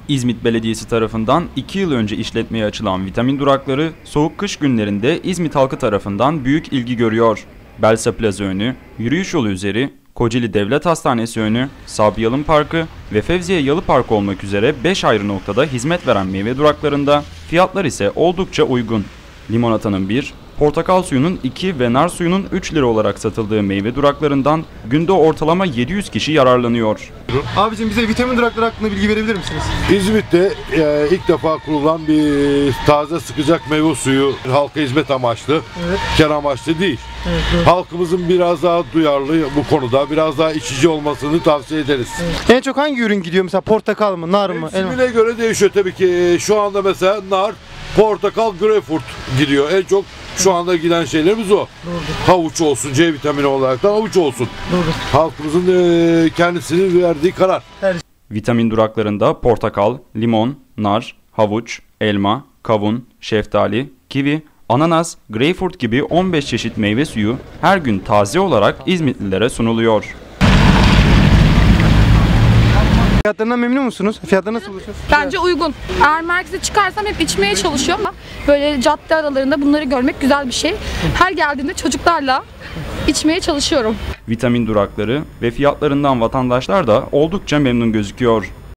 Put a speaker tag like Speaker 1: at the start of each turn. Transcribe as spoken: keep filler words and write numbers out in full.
Speaker 1: İzmit Belediyesi tarafından iki yıl önce işletmeye açılan vitamin durakları soğuk kış günlerinde İzmit halkı tarafından büyük ilgi görüyor. Belsa Plaza önü, yürüyüş yolu üzeri, Kocaeli Devlet Hastanesi önü, Sabri Yalın Parkı ve Fevziye Yalı Parkı olmak üzere beş ayrı noktada hizmet veren meyve duraklarında fiyatlar ise oldukça uygun. Limonatanın bir, portakal suyunun iki ve nar suyunun üç lira olarak satıldığı meyve duraklarından günde ortalama yedi yüz kişi yararlanıyor.
Speaker 2: Abicim bize vitamin durakları hakkında bilgi verebilir misiniz?
Speaker 3: İzmit'te e, ilk defa kurulan bir taze sıkacak meyve suyu, halka hizmet amaçlı, evet. Kar amaçlı değil. Evet, evet. Halkımızın biraz daha duyarlı bu konuda, biraz daha içici olmasını tavsiye ederiz.
Speaker 2: Evet. En çok hangi ürün gidiyor mesela, portakal mı, nar mı?
Speaker 3: Mevsimine göre değişiyor tabii ki. Şu anda mesela nar, portakal, greyfurt gidiyor. En çok şu anda giden şeylerimiz o. Doğru. Havuç olsun, C vitamini olaraktan havuç olsun. Doğru. Halkımızın e, kendisinin verdiği karar.
Speaker 1: Her... Vitamin duraklarında portakal, limon, nar, havuç, elma, kavun, şeftali, kivi, ananas, greyfurt gibi on beş çeşit meyve suyu her gün taze olarak İzmitlilere sunuluyor.
Speaker 2: Fiyatlarından memnun musunuz? Fiyatları nasıl buluyorsunuz?
Speaker 4: Bence uygun. Eğer merkeze çıkarsam hep içmeye çalışıyorum ama böyle cadde aralarında bunları görmek güzel bir şey. Her geldiğimde çocuklarla içmeye çalışıyorum.
Speaker 1: Vitamin durakları ve fiyatlarından vatandaşlar da oldukça memnun gözüküyor.